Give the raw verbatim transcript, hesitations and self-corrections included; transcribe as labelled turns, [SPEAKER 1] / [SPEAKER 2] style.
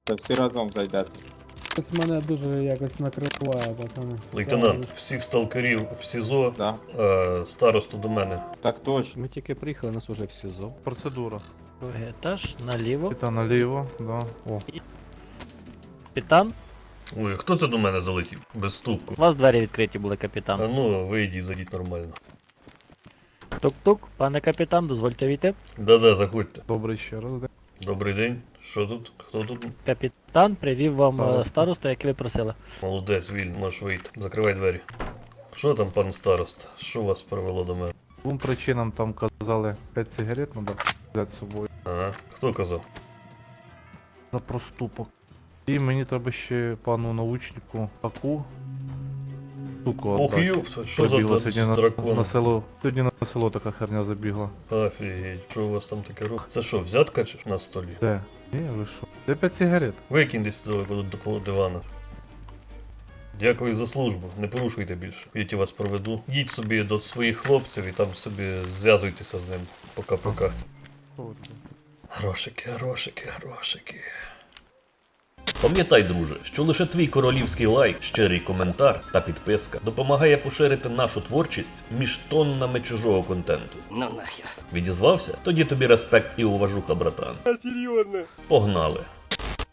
[SPEAKER 1] Та всі разом зайдете.
[SPEAKER 2] Ось мене дуже якось накриває, пацани.
[SPEAKER 3] Лейтенант, всіх сталкерів в СІЗО,
[SPEAKER 1] Да.
[SPEAKER 3] е, старосту до мене.
[SPEAKER 1] Так точно.
[SPEAKER 4] Ми тільки приїхали, нас уже в СІЗО.
[SPEAKER 5] Процедура.
[SPEAKER 6] Другий етаж, наліво.
[SPEAKER 5] Капітан наліво, да. О.
[SPEAKER 6] Капітан.
[SPEAKER 3] Ой, хто це до мене залетів? Без ступку.
[SPEAKER 6] У вас двері відкриті були,
[SPEAKER 3] А
[SPEAKER 6] капітан.
[SPEAKER 3] ну, вийдіть, зайдіть нормально.
[SPEAKER 6] Тук-тук, пане капітан, дозвольте війти.
[SPEAKER 3] Да-да, заходьте.
[SPEAKER 5] Добрий ще раз. де.
[SPEAKER 3] Добрий день. Що тут? Хто тут?
[SPEAKER 6] Капітан привів вам е,
[SPEAKER 5] Староста.
[SPEAKER 6] старосту, як ви просили.
[SPEAKER 3] Молодець, Віль, можеш вийти. Закривай двері. Що там, пан старост? Що вас привело до мене?
[SPEAKER 5] Двом причинам там казали п'ять сигарет треба взяти з собою.
[SPEAKER 3] Ага, хто казав?
[SPEAKER 5] За проступок. І мені треба ще пану научнику таку штуку
[SPEAKER 3] Ох,
[SPEAKER 5] отдати.
[SPEAKER 3] юп, що за
[SPEAKER 5] Прибігла
[SPEAKER 3] та-
[SPEAKER 5] сьогодні на,
[SPEAKER 3] дракон?
[SPEAKER 5] на село. Сьогодні на село така херня забігла.
[SPEAKER 3] Офігеть, що у вас там таке рух? Це що, взятка чи на столі?
[SPEAKER 5] Де? Ні, ви що? Де п'ять сигарет?
[SPEAKER 3] Викинь десь туди до коло дивана. Дякую за службу, не порушуйте більше. Я вас проведу. Їдь собі до своїх хлопців і там собі зв'язуйтеся з ним. Пока-пока. Грошики, грошики, грошики. Пам'ятай, друже, що лише твій королівський лайк, щирий коментар та підписка допомагає поширити нашу творчість між тоннами чужого контенту.
[SPEAKER 4] Ну нахер.
[SPEAKER 3] Відізвався? Тоді тобі респект і уважуха, братан. Серйозно? Погнали.